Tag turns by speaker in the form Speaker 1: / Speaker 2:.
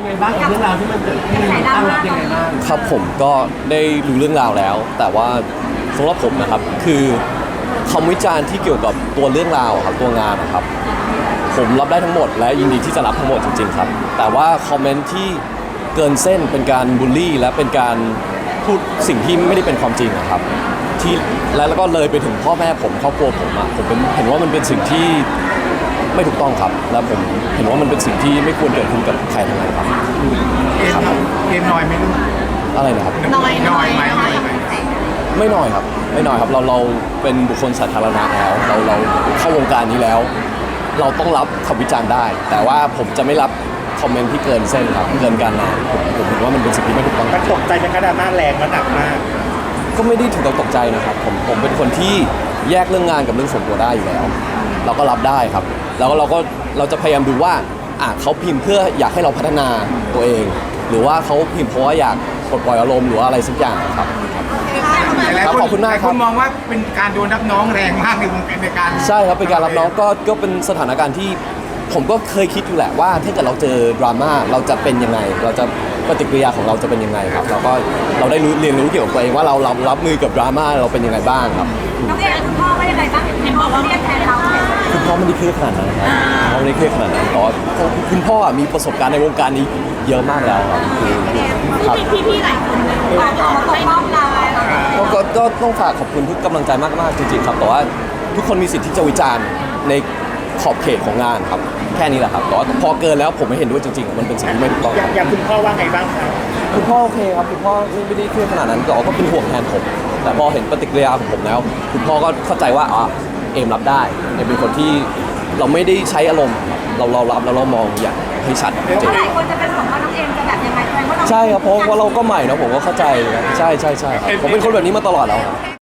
Speaker 1: ไงบ้างกับเรื่องราวที่มันเกิดขึ้นตั้งรับยังไงบ้าง
Speaker 2: ครับผมก็ได้รู้เรื่องราวแล้ว แต่ว่าสำหรับผมนะครับคือคำวิจารณ์ที่เกี่ยวกับตัวเรื่องราวครับตัวงานนะครับผมรับได้ทั้งหมดและยินดีที่จะรับทั้งหมดจริงๆครับแต่ว่าคอมเมนต์ที่เกินเส้นเป็นการบูลลี่และเป็นการพูดสิ่งที่ไม่ได้เป็นความจริงนะครับที่แล้วก็เลยไปถึงพ่อแม่ผมครอบครัวผมอะผมเห็นว่ามันเป็นสิ่งที่ไม่ถูกต้องครับและผมเห็นว่ามันเป็นสิ่งที่ไม่ควรเกิดขึ้นกับใครทั้งนั้นครับ
Speaker 3: เกมน้อยไหมลูก
Speaker 2: อะไรนะครับ
Speaker 3: น้อยไหม
Speaker 2: ไม่น้อยครับไม่น้อยครับเราเป็นบุคคลสาธารณะแล้วเราเข้าวงการนี้แล้ว เราต้องรับคำวิจารณ์ได้ แต่ว่าผมจะไม่รับคอมเมนต์ที่เกินเส้นครับเกินการนะผมเห็นว่ามันเป็นสิ่งที่ไม่ถูกต้อง
Speaker 3: มันตกใจเป็นกระดาษหน้าแรงและหนักมาก
Speaker 2: ก็ไม่ได้ถึงกับตกใจนะครับผมเป็นคนที่แยกเรื่องงานกับเรื่องส่วนตัวได้อยู่แล้วเราก็รับได้ครับแล้วเราจะพยายามดูว่าเขาพิมพ์เพื่ออยากให้เราพัฒนาตัวเอง หรือว่าเขาพิมพ์เพราะว่าอยากปลดปล่อยอารมณ์หรือว่าอะไรสักอย่างครับขอบคุณมากครับ
Speaker 3: คุณมองว่าเป็นการโดนรับน้องแรงมากในการ
Speaker 2: ใช่ครับเป็นการรับน้องก็เป็นสถานการณ์ที่ผมก็เคยคิดอยู่แหละว่าถ้าเกิดเราเจอดราม่าเราจะเป็นยังไงเราจะปฏิกิริยาของเราจะเป็นยังไงครับเราได้เรียนรู้เกี่ยวกับตัวเองว่าเรารับมือกับดราม่าเราเป็นยังไงบ้างครับ
Speaker 4: น้องเอ๋คุณพ่อว่ายังไงบ้างเห็นบอกว่าเรียกแทนเรา
Speaker 2: คุณพ่อไม่ได้เครียดขนาดนั้นครับพ่อไม่ได้เครียดขนาดนั้นแต่ว่าคุณพ่อมีประสบการณ์ในวงการนี้เยอะมากแล้วครับ
Speaker 4: พี่หลายคนเขาปกป้องเรา
Speaker 2: ก็ต้องฝากขอบคุณทุกกำลังใจมากๆจริงๆครับแต่ว่าทุกคนมีสิทธิ์ที่จะวิจารณ์ในขอบเขตของงานครับแค่นี้แหละครับแต่ว่าพอเกินแล้วผมไม่เห็นด้วยจริงๆมันเป็นสิ่งที่ไม่ถูกต้อง
Speaker 3: อย่างคุณพ่อว่าไงบ้างครับ
Speaker 2: คุณพ่อโอเคครับคุณพ่อไม่ได้เครียดขนาดนั้นก็เป็นห่วงแทนผมแต่พอเห็นปฏิกิริยาของผมแล้วคุณพ่อก็เข้าใจว่าเอมรับได้เอมเป็นคนที่เราไม่ได้ใช้อารมณ์เรารับแล้วเรามองอย่างให้ชัด
Speaker 4: จริงหลายคนจะเป็นห่วงว่าน้องเอมจะแบบยังไง
Speaker 2: ใช่ครับเพราะว่าเราก็ใหม่นะผมก็เข้าใจใช่ครับผมเป็นคนแบบนี้มาตลอดแล้วครับ